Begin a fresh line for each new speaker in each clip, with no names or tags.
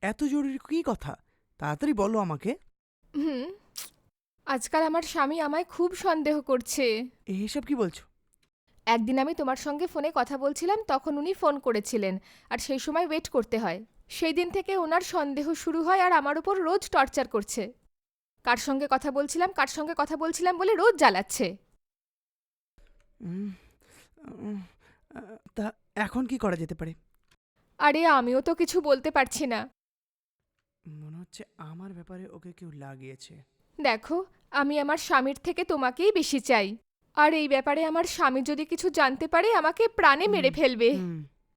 এত জরুরি কি কথা? তাড়াতাড়ি বলো আমাকে।
হুম আজকাল আমার স্বামী আমায় খুব সন্দেহ করছে।
এসব কি বলছো?
একদিন আমি তোমার সঙ্গে ফোনে কথা বলছিলাম, তখন উনি ফোন করেছিলেন, আর সেই সময় ওয়েট করতে হয়। সেই দিন থেকে ওনার সন্দেহ শুরু হয় আর আমার উপর রোজ টর্চার করছে। কার সঙ্গে কথা বলছিলাম কার সঙ্গে কথা বলছিলাম বলে রোজ জ্বালাচ্ছে।
উম, উম, তা এখন কি করা যেতে পারে?
আরে আমিও তো কিছু বলতে পারছি না।
মনে হচ্ছে আমার ব্যাপারে ওকে কেউ লাগিয়েছে।
দেখো, আমি আমার স্বামীর থেকে তোমাকেই বেশি চাই। আর এই ব্যাপারে আমার স্বামী যদি কিছু জানতে পারে আমাকে প্রাণে মেরে
হুম,
ফেলবে।
হুম।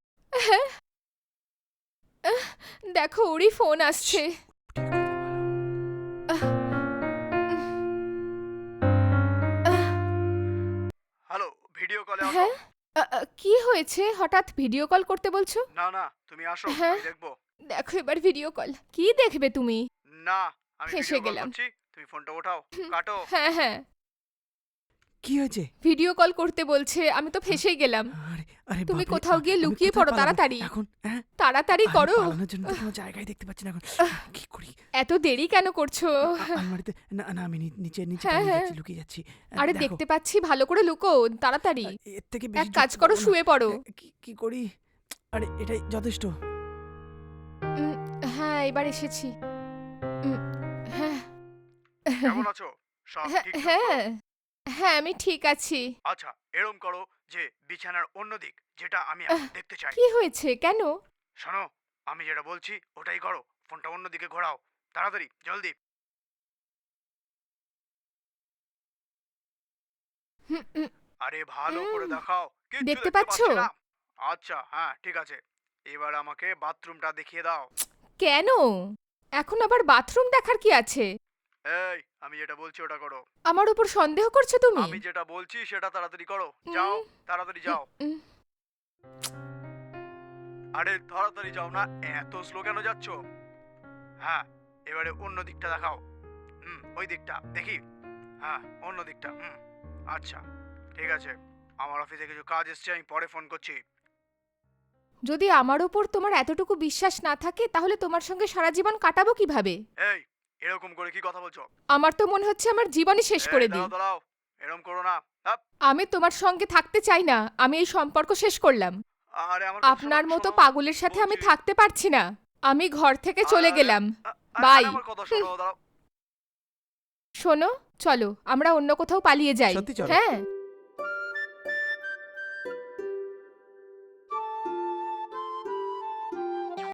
দেখো, ওরই ফোন আসছে।
শ্শ্, ঠিক করে ভালো।
আহ, আহ,
হ্যালো, ভিডিও কলে আসো।
হ্যাঁ, কি হয়েছে হঠাৎ ভিডিও কল করতে বলছো?
না না, তুমি আসো,
হ্যাঁ,
আমি দেখবো।
দেখো এবার ভিডিও কল। কি দেখবে তুমি?
না, আমি
ফেঁসে
ভিডিও কল
গেলাম।
করছি, তুমি ফোনটা ওঠাও। কাটো।
হ্যাঁ হ্যাঁ,
কি হয়েছে?
ভিডিও কল করতে বলছে, আমি তো
হ্যাঁ,
ফেঁসেই গেলাম।
আরে আরে
তুমি
বাপরে,
কোথাও গিয়ে
আমি
লুকিয়ে
কোথায়
পড়ো
পালাবো
তাড়াতাড়ি।
এখন? হ্যাঁ,
তাড়াতাড়ি
আরে
করো।
পালানোর জন্য তো কোনো জায়গায় দেখতে পাচ্ছি না এখন। কি করি?
এত দেরি কেন করছো?
আলমারিতে না না, আমি নিচে নিচে
হ্যাঁ
পালিয়ে
হ্যাঁ,
যাচ্ছি, লুকিয়ে যাচ্ছি।
আরে
দেখো,
দেখতে পাচ্ছি, ভালো করে লুকো তাড়াতাড়ি।
এর থেকে
এক
বেশি
কাজ
ঢুকতে
করো,
পারবো না।
শুয়ে পড়ো।
কি কি করি? আরে এটাই যথেষ্ট।
উম, হ্যাঁ, এবার এসেছি। উম, হ্যাঁ
কেমন আছো? সব
হ্যাঁ
ঠিকঠাক তো?
হ্যাঁ হ্যাঁ, আমি ঠিক আছি।
আচ্ছা, এরম করো যে বিছানার অন্য দিক, যেটা আমি এখন দেখতে চাই।
কি হয়েছে, কেন?
শোনো, আমি যেটা বলছি ওটাই করো। ফোনটা অন্য দিকে ঘোরাও, তাড়াতাড়ি, জলদি।
হুম, উম,
আরে ভালো করে
উম,
দেখাও, কিচ্ছু
দেখতে
দেখতে
পাচ্ছো?
পাচ্ছি না। আচ্ছা, হ্যাঁ ঠিক আছে। এবার আমাকে বাথরুমটা দেখিয়ে দাও।
কেন? এখন আবার বাথরুম দেখার কি আছে?
এই, আমি যেটা বলছি ওটা করো।
আমার উপর সন্দেহ করছো তুমি?
আমি যেটা বলছি সেটা তাড়াতাড়ি করো, যাও,
উম,
তাড়াতাড়ি
উম,
যাও।
উম,
আরে তাড়াতাড়ি যাও না, এত স্লো কেন যাচ্ছ? হ্যাঁ, এবারে অন্য দিকটা দেখাও। ওই দিকটা দেখি। হ্যাঁ, অন্য দিকটা। আচ্ছা, ঠিক আছে। আমার অফিসে কিছু কাজ এসছে, আমি পরে ফোন করছি।
যদি আমার উপর তোমার এতটুকু বিশ্বাস না থাকে, তাহলে তোমার সঙ্গে সারা জীবন কাটাবো কিভাবে?
এই, এরকম করে কি কথা বলছো?
আমার তো মনে হচ্ছে আমার জীবনই শেষ
এই
করে দিই।
দাঁড়াও দাঁড়াও, এরকম করো না। আপ,
আমি তোমার সঙ্গে থাকতে চাই না, আমি এই সম্পর্ক শেষ করলাম।
আরে আমার কথা শোনো,
আপনার মতো
শোনো,
পাগলের সাথে আমি
বলছি।
থাকতে পারছি না। আমি ঘর থেকে চলে
আরে
গেলাম।
আরে
বাই।
আমার কথা শোনো, দাঁড়াও।
শোনো, চলো আমরা অন্য কোথাও পালিয়ে যাই।
সত্যি চলো।
হ্যাঁ।